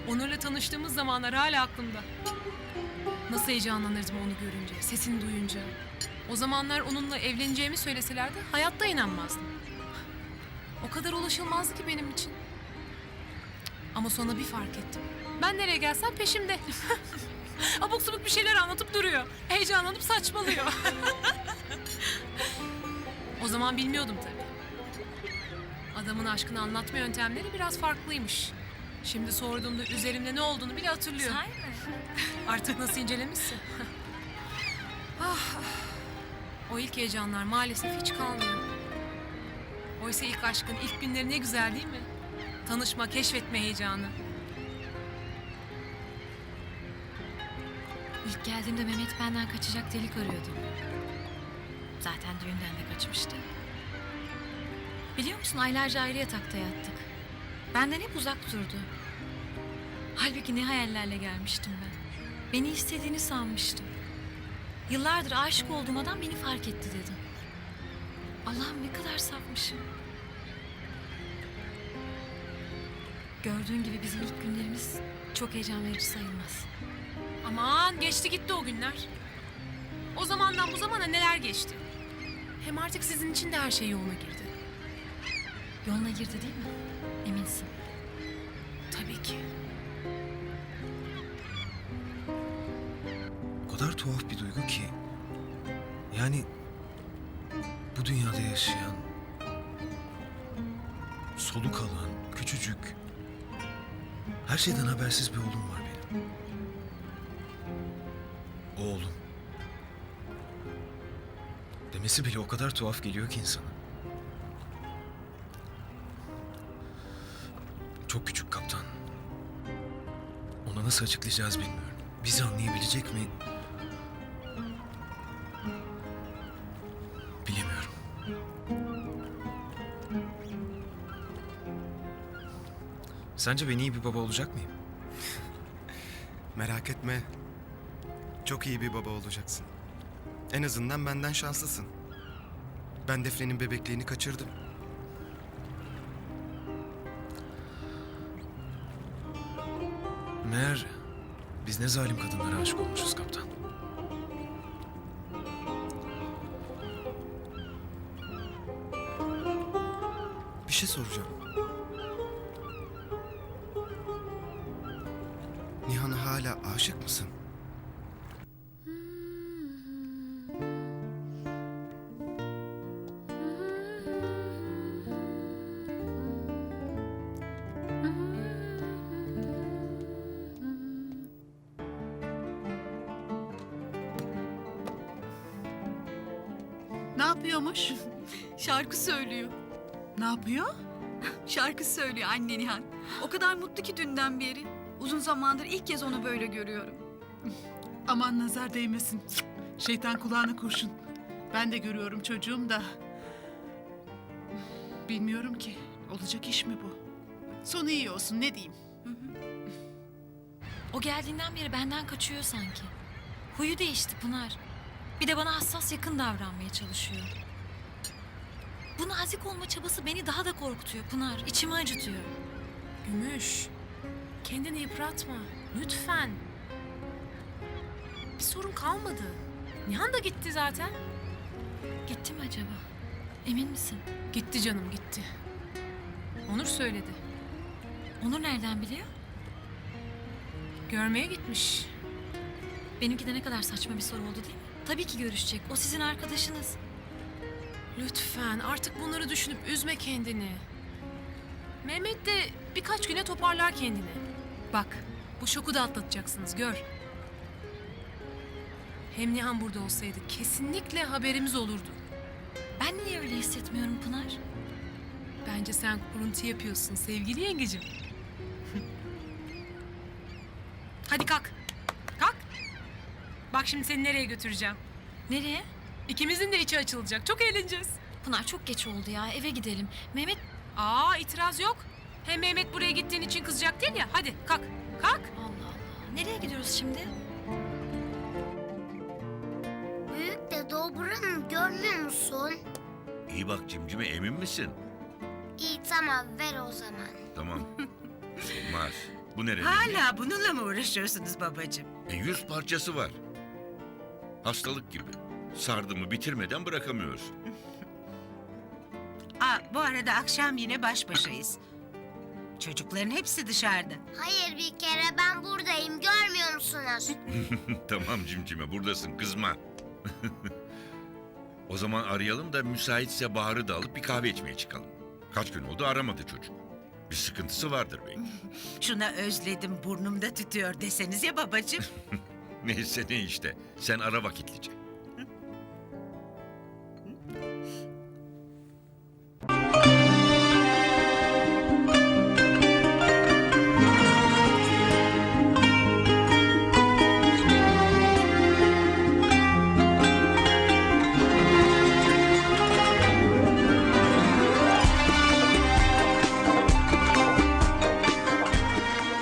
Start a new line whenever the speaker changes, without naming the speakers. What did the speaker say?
Onur'la tanıştığımız zamanlar hala aklımda. Nasıl heyecanlanırdım onu görünce, sesini duyunca. O zamanlar onunla evleneceğimi söyleselerdi hayatta inanmazdım. O kadar ulaşılmazdı ki benim için. Ama sonra bir fark ettim. Ben nereye gelsem peşimde. Abuk subuk bir şeyler anlatıp duruyor. Heyecanlanıp saçmalıyor. O zaman bilmiyordum tabii. Adamın aşkını anlatma yöntemleri biraz farklıymış. Şimdi sorduğumda üzerimde ne olduğunu bile hatırlıyor.
Sahi mi?
Artık nasıl incelemişse. Ah, o ilk heyecanlar maalesef hiç kalmıyor. Oysa ilk aşkın ilk günleri ne güzel değil mi? Tanışma, keşfetme heyecanı.
İlk geldiğimde Mehmet benden kaçacak delik arıyordu. Zaten düğünden de kaçmıştı. Biliyor musun, aylarca ayrı yatakta yattık. Benden hep uzak durdu. Halbuki ne hayallerle gelmiştim ben. Beni istediğini sanmıştım. Yıllardır aşık olduğum adam beni fark etti dedim. Allah'ım ne kadar safmışım. Gördüğün gibi bizim ilk günlerimiz çok heyecan verici sayılmaz.
Aman geçti gitti o günler. O zamandan bu zamana neler geçti. Hem artık sizin için de her şey yoluna girdi.
Yoluna girdi değil mi? Eminsin.
Tabii ki.
O kadar tuhaf bir duygu ki. Yani bu dünyada yaşayan, soluk alan, küçücük, her şeyden habersiz bir oğlum var benim. Oğlum. Demesi bile o kadar tuhaf geliyor ki insana. Çok küçük kaptan. Ona nasıl açıklayacağız bilmiyorum. Bizi anlayabilecek mi? Bilemiyorum. Sence ben iyi bir baba olacak mıyım?
Merak etme. Çok iyi bir baba olacaksın. En azından benden şanslısın. Ben Defne'nin bebekliğini kaçırdım.
Meğer biz ne zalim kadınlara aşık olmuşuz kaptan.
Bir şey soracağım. Nihan'a hala aşık mısın?
Ne yapıyormuş?
Şarkı söylüyor.
Ne yapıyor?
Şarkı söylüyor anne Nihan. O kadar mutlu ki dünden beri. Uzun zamandır ilk kez onu böyle görüyorum.
Aman nazar değmesin. Şeytan kulağına kurşun. Ben de görüyorum çocuğum da. Bilmiyorum ki. Olacak iş mi bu? Sonu iyi olsun ne diyeyim.
O geldiğinden beri benden kaçıyor sanki. Huyu değişti Pınar. Bir de bana hassas yakın davranmaya çalışıyor. Bu nazik olma çabası beni daha da korkutuyor Pınar. İçimi acıtıyor.
Gümüş, kendini yıpratma. Lütfen. Bir sorun kalmadı. Nihan da gitti zaten.
Gitti mi acaba? Emin misin?
Gitti canım gitti. Onur söyledi.
Onur nereden biliyor?
Görmeye gitmiş.
Benimki de ne kadar saçma bir soru oldu değil mi? Tabii ki görüşecek. O sizin arkadaşınız.
Lütfen artık bunları düşünüp üzme kendini. Mehmet de birkaç güne toparlar kendini. Bak bu şoku da atlatacaksınız gör. Hem Nihan burada olsaydı kesinlikle haberimiz olurdu.
Ben niye öyle hissetmiyorum Pınar?
Bence sen kuruntu yapıyorsun sevgili yengecim. Hadi kalk. Kalk. Bak şimdi seni nereye götüreceğim.
Nereye?
İkimizin de içi açılacak. Çok eğleneceğiz.
Pınar çok geç oldu ya. Eve gidelim. Mehmet...
Aa itiraz yok. Hem Mehmet buraya gittiğin için kızacak değil ya. Hadi kalk. Kalk.
Allah Allah. Nereye gidiyoruz şimdi?
Büyük dede o buranın görmüyor musun?
İyi bak cimcime, emin misin?
İyi tamam ver o zaman.
Tamam. Olmaz. Bu nerenin?
Hala bununla mı uğraşıyorsunuz babacığım?
100 parçası var. Hastalık gibi. Sardı mı bitirmeden bırakamıyorsun.
Bu arada akşam yine baş başayız. Çocukların hepsi dışarıda.
Hayır bir kere ben buradayım görmüyor musunuz?
Tamam cimcime buradasın kızma. O zaman arayalım da müsaitse Bahar'ı da alıp bir kahve içmeye çıkalım. Kaç gün oldu aramadı çocuk. Bir sıkıntısı vardır belki.
Şuna özledim burnumda tütüyor deseniz ya babacığım.
Neyse ne işte. Sen ara vakit